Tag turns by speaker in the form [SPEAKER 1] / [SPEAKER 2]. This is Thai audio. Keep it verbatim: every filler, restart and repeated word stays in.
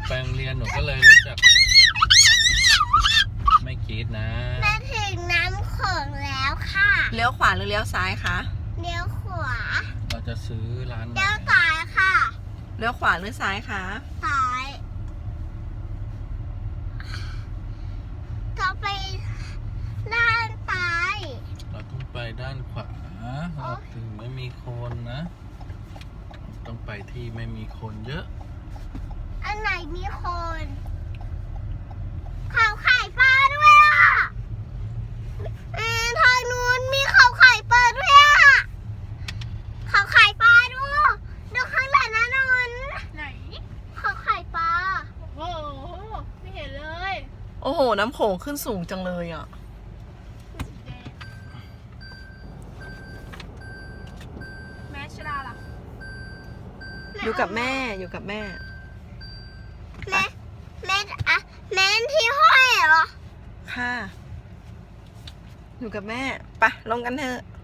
[SPEAKER 1] ไปโรงเรียนหนูก็เลยรู้จักไม่คิดนะ
[SPEAKER 2] มาถึงน้ำโขงแล้วค่ะ
[SPEAKER 3] เลี้ยวขวาหรือเลี้ยวซ้ายคะ
[SPEAKER 2] เลี้ยวขวา
[SPEAKER 1] เราจะซื้อร้าน
[SPEAKER 2] เลี้ยวซ้ายค่ะ
[SPEAKER 3] เลี้ยวขวาหรือซ้ายคะ
[SPEAKER 2] ซ้ายเราไปด้านซ้าย
[SPEAKER 1] เราต้องไปด้านขวาเราถึงไม่มีคนนะต้องไปที่ไม่มีคนเยอะ
[SPEAKER 2] อันไหนมีคนเขาขายปลาด้วยอ่ะเออทางนู้นมีเขาขายปลาด้วยอ่ะเขาขายปลาดูดูข้างหลังนะนนไหนเขาขายปลาโอ้โหไม่เห็นเลย
[SPEAKER 3] โอ้โหน้ำโขงขึ้นสูงจังเลยอ่ะ
[SPEAKER 2] แม่ชลาล่ะ
[SPEAKER 3] อยู่กับแม่อยู่กับแม่
[SPEAKER 2] แม่แม่อะแม่ที่ห้อยเหรอ
[SPEAKER 3] ค่ะอยู่กับแม่ไปลงกันเถอะ